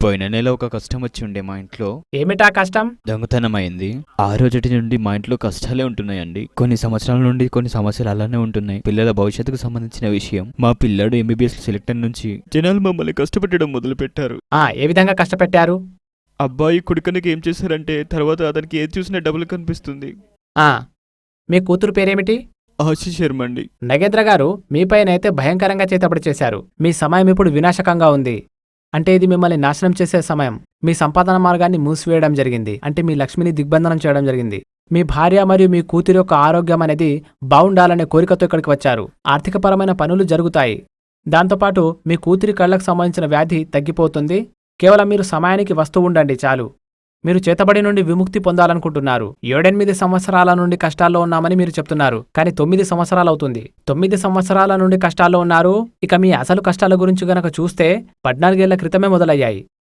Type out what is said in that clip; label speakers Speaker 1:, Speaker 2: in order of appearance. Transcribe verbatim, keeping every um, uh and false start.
Speaker 1: పోయిన నెల ఒక కష్టం వచ్చి ఉండే మా ఇంట్లో.
Speaker 2: ఏమిటా కష్టం?
Speaker 1: దొంగతనం అయింది. ఆ రోజటి నుండి మా ఇంట్లో కష్టాలే ఉంటున్నాయండి. కొన్ని సంవత్సరాల నుండి కొన్ని సమస్యలు అలానే ఉంటున్నాయి. పిల్లల భవిష్యత్తుకు సంబంధించిన విషయం. మా పిల్లాడు ఎంబీబీఎస్ సెలెక్టర్ నుంచి జనాలు మమ్మల్ని కష్టపెట్టడం మొదలు పెట్టారు.
Speaker 2: ఆ ఏ విధంగా కష్టపెట్టారు?
Speaker 1: అబ్బాయి కుడికనికి ఏం చేశారంటే తర్వాత అతనికి ఏది చూసినా డబ్బులు కనిపిస్తుంది.
Speaker 2: ఆ మీ కూతురు పేరేమిటి?
Speaker 1: ఆశీ శర్మ అండి.
Speaker 2: నగేంద్ర గారు, మీపైనైతే భయంకరంగా చేతబడి చేశారు. మీ సమయం ఇప్పుడు వినాశకంగా ఉంది. అంటే ఇది మిమ్మల్ని నాశనం చేసే సమయం. మీ సంపాదన మార్గాన్ని మూసివేయడం జరిగింది. అంటే మీ లక్ష్మిని దిగ్బంధనం చేయడం జరిగింది. మీ భార్య మరియు మీ కూతురు యొక్క ఆరోగ్యం అనేది బాగుండాలనే కోరికతో ఇక్కడికి వచ్చారు. ఆర్థికపరమైన పనులు జరుగుతాయి. దాంతోపాటు మీ కూతురి కళ్లకు సంబంధించిన వ్యాధి తగ్గిపోతుంది. కేవలం మీరు సమయానికి వస్తూ ఉండండి చాలు. మీరు చేతబడి నుండి విముక్తి పొందాలనుకుంటున్నారు. ఏడెనిమిది సంవత్సరాల నుండి కష్టాల్లో ఉన్నామని మీరు చెప్తున్నారు. కానీ తొమ్మిది సంవత్సరాలు అవుతుంది. తొమ్మిది సంవత్సరాల నుండి కష్టాల్లో ఉన్నారు. ఇక మీ అసలు కష్టాల గురించి గనక చూస్తే పద్నాలుగేళ్ల క్రితమే మొదలయ్యాయి.